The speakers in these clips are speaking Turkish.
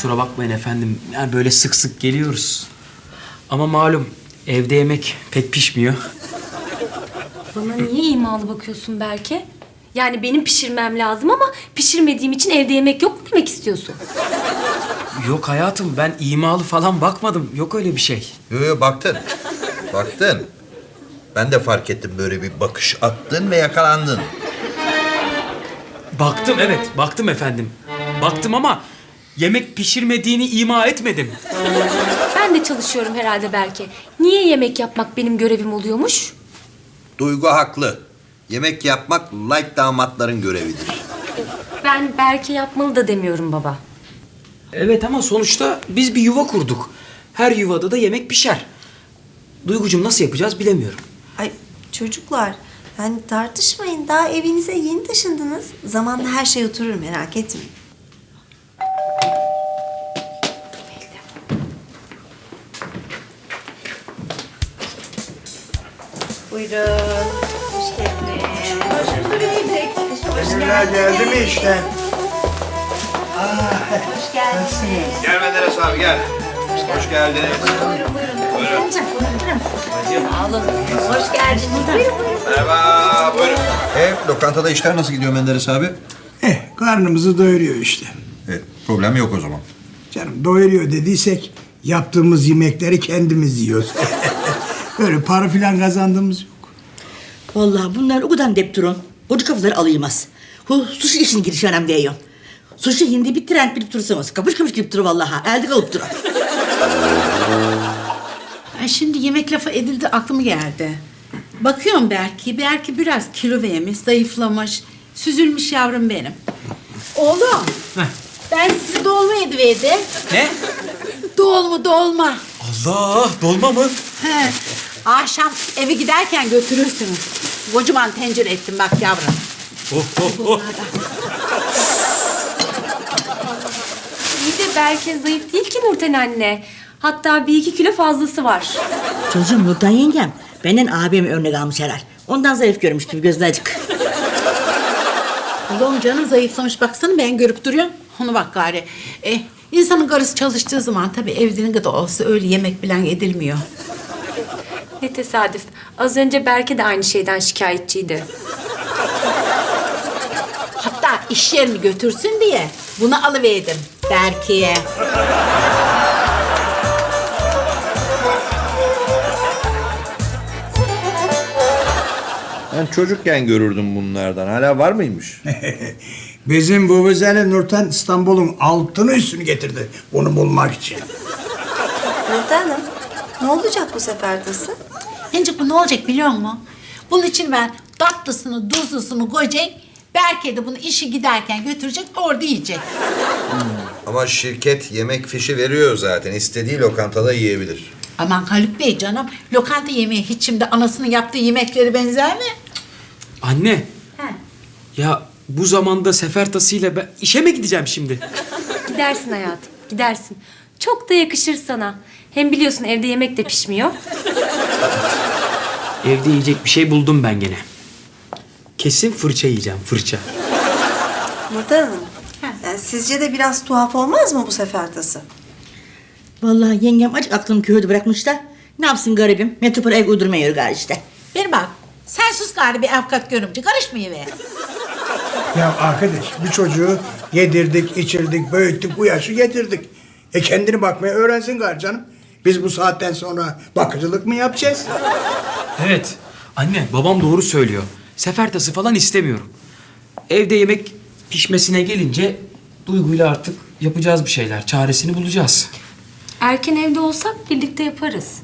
kusura bakmayın efendim. Yani böyle sık sık geliyoruz. Ama malum evde yemek pek pişmiyor. Bana niye imalı bakıyorsun Berke? Yani benim pişirmem lazım ama pişirmediğim için evde yemek yok mu demek istiyorsun? Yok hayatım, ben imalı falan bakmadım. Yok öyle bir şey. Yo, baktın. Baktın. Ben de fark ettim, böyle bir bakış attın ve yakalandın. Baktım, evet. Baktım efendim. Baktım ama yemek pişirmediğini ima etmedim. Ben de çalışıyorum herhalde Berke. Niye yemek yapmak benim görevim oluyormuş? Duygu haklı. Yemek yapmak light damatların görevidir. Ben Berke yapmalı da demiyorum baba. Evet ama sonuçta biz bir yuva kurduk. Her yuvada da yemek pişer. Duygucuğum nasıl yapacağız bilemiyorum. Ay çocuklar, yani tartışmayın. Daha evinize yeni taşındınız. Zamanla her şey oturur, merak etmeyin. Buyurun. Hoş geldiniz. Hoş bulduk. Emirler geldi mi işten? Hoş geldiniz. Gel Menderes abi, gel. Hoş geldiniz. Buyurun. Sağ olun. Hoş geldiniz. Buyurun. Merhaba, buyurun. Lokantada işler nasıl gidiyor Menderes abi? Karnımızı doyuruyor işte. Evet, problem yok o zaman. Canım doyuruyor dediysek yaptığımız yemekleri kendimiz yiyoruz. Öyle para filan kazandığımız yok. Vallahi bunlar o kadar dep durun. Koca kafaları alayımaz. Bu sushi işini giriş önemli diyor. Sushi hindi bir trend bilip durursanız. Kapış kapış gidip durur vallahi. Elde kalıp durur. Ay şimdi yemek lafı edildi aklıma geldi. Bakıyorum Berke biraz kilo vermiş, zayıflamış, süzülmüş yavrum benim. Oğlum, ben sizi dolma yediverdim. Ne? Dolma. Allah, dolma mı? He. Akşam eve giderken götürürsünüz. Kocaman tencere ettim bak yavrum. Oh. İyi de Berke zayıf değil ki Nurten anne. Hatta 1-2 kilo fazlası var. Çocuğum Nurdan yengem. Benden abim örnek almış herhal. Ondan zayıf görmüş gibi gözüne acık. Oğlum canım zayıflamış baksana ben görüp duruyorum. Onu bak gari. İnsanın karısı çalıştığı zaman tabii evde ne kadar olsa öyle yemek bilen edilmiyor. Ne tesadüf. Az önce Berke de aynı şeyden şikayetçiydi. Hatta iş yerini götürsün diye bunu alıverdim Berke'ye. Ben çocukken görürdüm bunlardan. Hala var mıymış? Bizim Vuvuzeli Nurten İstanbul'un altını üstünü getirdi onu bulmak için. Nurten Hanım, ne olacak bu sefer tası? Ancak bu ne olacak biliyor musun? Bunun için ben tatlısını, tuzlusunu koyacak. Berke de bunu işi giderken götürecek, orada yiyecek. Ama şirket yemek fişi veriyor zaten. İstediği lokantada yiyebilir. Aman Haluk Bey canım, lokanta yemeği hiç şimdi anasının yaptığı yemekleri benzer mi? Anne, He. ya bu zamanda sefer tasıyla ben işe mi gideceğim şimdi? Gidersin hayatım, gidersin. Çok da yakışır sana. Hem biliyorsun evde yemek de pişmiyor. Evde yiyecek bir şey buldum ben gene. Kesin fırça yiyeceğim, fırça. Nurten Hanım, yani sizce de biraz tuhaf olmaz mı bu sefer tası? Vallahi yengem acık aklını köyde bırakmış da. Ne yapsın garibim? Metropol ev uydurmaya yürü gari işte. Bir bak, sen sus gari bir avukat görümce, karışmayıver. Ya arkadaş bu çocuğu yedirdik, içirdik, büyüttük, bu yaşı getirdik. Kendini bakmaya öğrensin gari canım. Biz bu saatten sonra bakıcılık mı yapacağız? Evet, anne babam doğru söylüyor. Sefer tası falan istemiyorum. Evde yemek pişmesine gelince Duygu'yla artık yapacağız bir şeyler. Çaresini bulacağız. Erken evde olsak birlikte yaparız.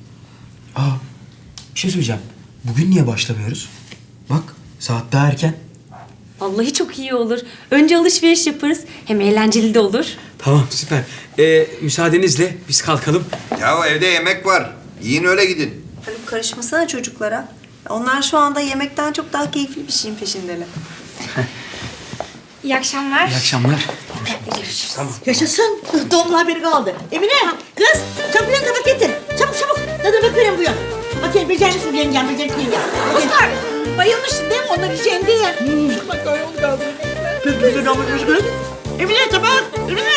Bir şey söyleyeceğim. Bugün niye başlamıyoruz? Bak, saat daha erken. Vallahi çok iyi olur. Önce alışveriş yaparız. Hem eğlenceli de olur. Tamam, süper. Müsaadenizle biz kalkalım. Ya evde yemek var. Yiyin öyle gidin. Haluk karışmasana çocuklara. Onlar şu anda yemekten çok daha keyifli bir şeyin peşindeler. İyi akşamlar. İyi akşamlar. Yaşasın. Doğumlu haberi kaldı. Emine kız çabuk bir tabak getir. Çabuk. Tadına bakıyorum bu yan. Bakayım becer misin yengem, becerikli yengem. Oscar, bayılmışsın değil mi onlar yiyeceğim diye? Bak öyle oldu kaldı. Kız. Emine tabak. Emine.